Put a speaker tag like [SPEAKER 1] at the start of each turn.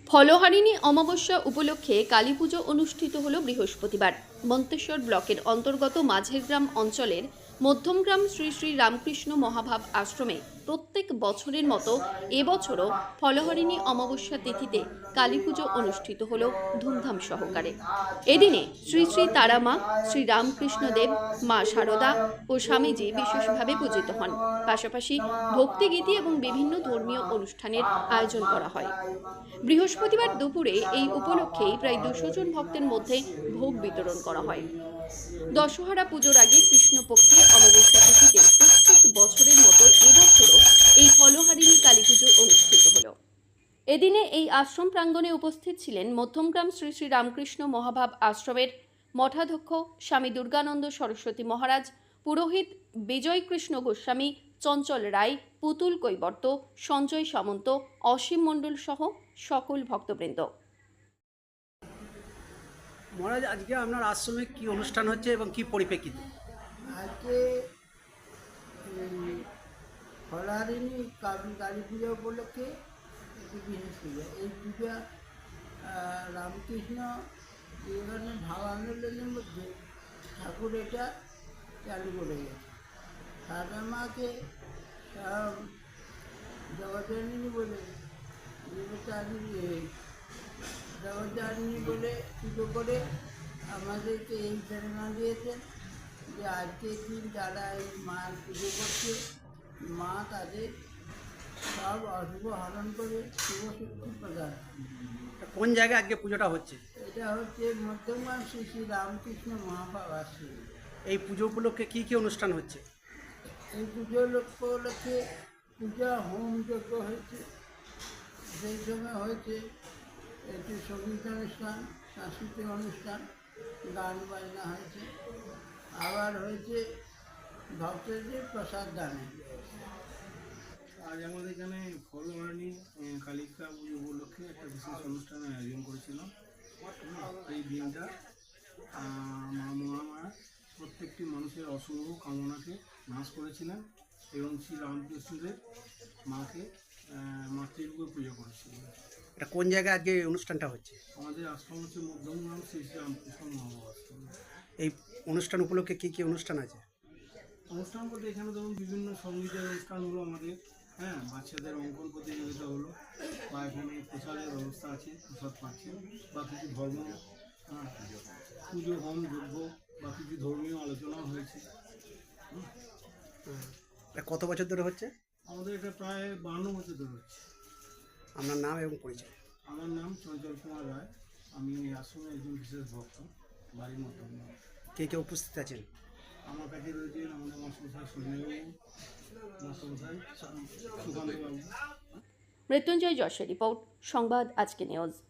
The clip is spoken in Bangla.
[SPEAKER 1] ফলহারিণী অমাবস্যা উপলক্ষে কালীপুজো অনুষ্ঠিত হল বৃহস্পতিবার। মন্তেশ্বর ব্লকের অন্তর্গত মাঝের গ্রাম অঞ্চলের মধ্যমগ্রাম শ্রী শ্রী রামকৃষ্ণ মহাভাব আশ্রমে প্রত্যেক বছরের মতো এবছরও ফলহারিণী অমাবস্যা তিথিতে কালীপুজো অনুষ্ঠিত হল ধুমধাম সহকারে। এদিনে শ্রী শ্রী তারামা, শ্রী রামকৃষ্ণদেব, মা শারদা ও স্বামীজি বিশেষভাবে পূজিত হন। পাশাপাশি ভক্তিগীতি এবং বিভিন্ন ধর্মীয় অনুষ্ঠানের আয়োজন করা হয়। বৃহস্পতিবার দুপুরে এই উপলক্ষেই প্রায় 200 জন ভক্তের মধ্যে ভোগ বিতরণ করা হয়। দশহরা পুজোর আগে কৃষ্ণপক্ষের অমাবস্যা তিথিতে প্রত্যেক বছরের মতো এবছরও এই ফলহারিণী কালীপুজো অনুষ্ঠিত হল। এদিনে এই আশ্রম প্রাঙ্গণে উপস্থিত ছিলেন মধ্যমগ্রাম শ্রী শ্রী রামকৃষ্ণ মহাভাব আশ্রমের মঠাধ্যক্ষ স্বামী দুর্গানন্দ সরস্বতী মহারাজ, পুরোহিত বিজয় কৃষ্ণ গোস্বামী, চঞ্চল রায়, পুতুল কৈবর্ত, সঞ্জয় সামন্ত, অসীম মণ্ডল সহ সকল ভক্তবৃন্দ।
[SPEAKER 2] মহারাজ, আজকে আপনার আশ্রমে কি অনুষ্ঠান হচ্ছে এবং কি পরিপ্রেক্ষিতে?
[SPEAKER 3] আজকে ফলহারিণী কালী পূজা উপলক্ষে একটি বিশেষ পূজা। এই পূজা রামকৃষ্ণ বিবেকানন্দ ভাব আন্দোলনের মধ্যে ঠাকুর এটা চালু করে গেছে। সারদা মাকে জগজ্জননী বলে জগজ্জননী বলে পুজো করে আমাদেরকে এই প্রেরণা দিয়েছেন যে আজকের দিন যারা এই মায়ের পুজো করছে, মা তাদের সব অশুভ হরণ করে শুভ শক্তি প্রদান।
[SPEAKER 2] কোন জায়গায় আজকে পুজোটা হচ্ছে?
[SPEAKER 3] এটা হচ্ছে মধ্যমগ্রাম শ্রী শ্রী রামকৃষ্ণ মহাভাব আশ্রম।
[SPEAKER 2] এই পুজো উপলক্ষে কি কি অনুষ্ঠান হচ্ছে?
[SPEAKER 3] এই পুজো উপলক্ষে পূজা হোম যজ্ঞ হয়েছে, সেই সময় হয়েছে একটি সঙ্গীত অনুষ্ঠান, সাংস্কৃতিক অনুষ্ঠান, গান বাজনা হয়েছে, আবার হয়েছে ভক্তদের প্রসাদ দানে।
[SPEAKER 4] আজ আমাদের এখানে ফলহারিণী কালিকা পুজো উপলক্ষে একটা বিশেষ অনুষ্ঠানের আয়োজন করেছিলাম। এই দিনটা মা মহামায়া প্রত্যেকটি মানুষের অশুভ কামনাকে নাশ করেছিলেন এবং শ্রী রামকৃষ্ণদেব মাকে মাতৃরূপে পুজো করেছিলেন।
[SPEAKER 2] এটা কোন জায়গায় আজকে অনুষ্ঠানটা হচ্ছে?
[SPEAKER 4] আমাদের আশ্রম হচ্ছে মধ্যমগ্রাম শ্রী শ্রী রামকৃষ্ণ মহাভাব আশ্রম।
[SPEAKER 2] এই অনুষ্ঠান উপলক্ষে কি কি অনুষ্ঠান আছে?
[SPEAKER 4] অনুষ্ঠান বলতে এখানে ধরুন বিভিন্ন সঙ্গীতের অনুষ্ঠান হলো আমাদের, বাচ্চাদের অঙ্কন প্রতিযোগিতা হলো, বা এখানে প্রসাদের ব্যবস্থা আছে, প্রসাদ পাচ্ছেন, বা কিছু ধর্ম পুজো হোম যজ্ঞ বা কিছু ধর্মীয় আলোচনাও হয়েছে।
[SPEAKER 2] এটা কত বছর ধরে হচ্ছে?
[SPEAKER 4] আমাদের এটা প্রায় 52 বছর ধরে হচ্ছে।
[SPEAKER 2] আপনার নাম এবং পরিচয়?
[SPEAKER 4] আমার নাম চঞ্চল কুমার রায়, আমি এই আশ্রমের একজন বিশেষ ভক্ত, বাড়ির মতো।
[SPEAKER 2] কে কে উপস্থিত আছেন?
[SPEAKER 4] আমার কাছে রয়েছেন আমাদের মাস্টারমশাই সুনীলবাবু, মাস্টারমশাই সুকান্তবাবু।
[SPEAKER 1] মৃত্যুঞ্জয় যশের রিপোর্ট, সংবাদ আজকে নিউজ।